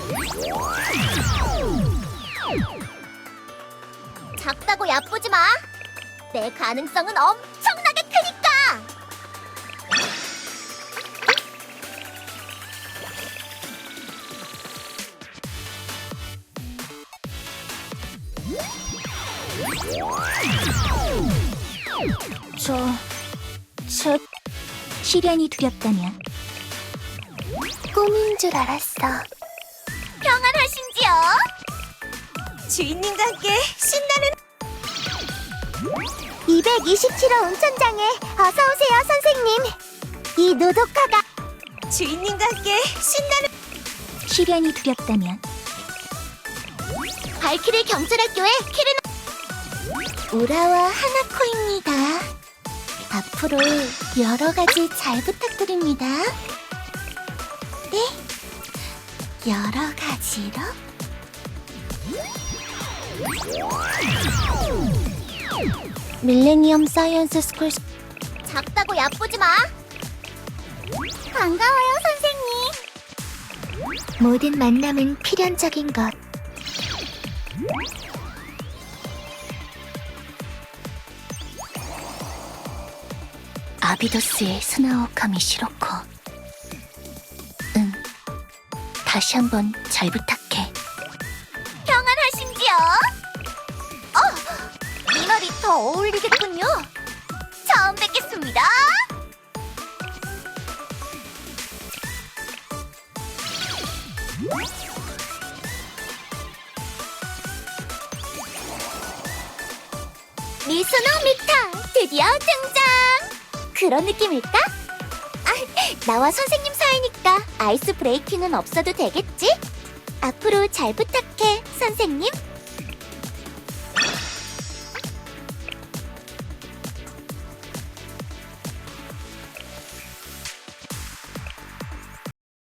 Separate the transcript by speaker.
Speaker 1: 작다고 야쁘지 마. 내 가능성은 엄청나게 크니까.
Speaker 2: 제 시련이 두렵다면
Speaker 1: 꿈인 줄 알았어. 평안하신지요?
Speaker 2: 주인님과 함께 신나는
Speaker 1: 227호 온천장에 어서 오세요, 선생님. 이 노도카가
Speaker 2: 주인님과 함께 신나는 시련이 두렵다면
Speaker 1: 발키리 경찰학교의 키르노 우라와 하나코입니다. 앞으로 여러 가지 잘 부탁드립니다. 네, 여러 가지로. 밀레니엄 사이언스 스쿨. 작다고 야쁘지 마. 반가워요, 선생님. 모든 만남은 필연적인 것.
Speaker 2: 아비도스의 스나오카미 시로코. 응, 다시 한번 잘 부탁해.
Speaker 1: 평안하신지요? 이 말이 더 어울리겠군요. 처음 뵙겠습니다. 미소노 미타 드디어 등장. 그런 느낌일까? 나와 선생님 사이니까 아이스 브레이킹은 없어도 되겠지? 앞으로 잘 부탁해, 선생님.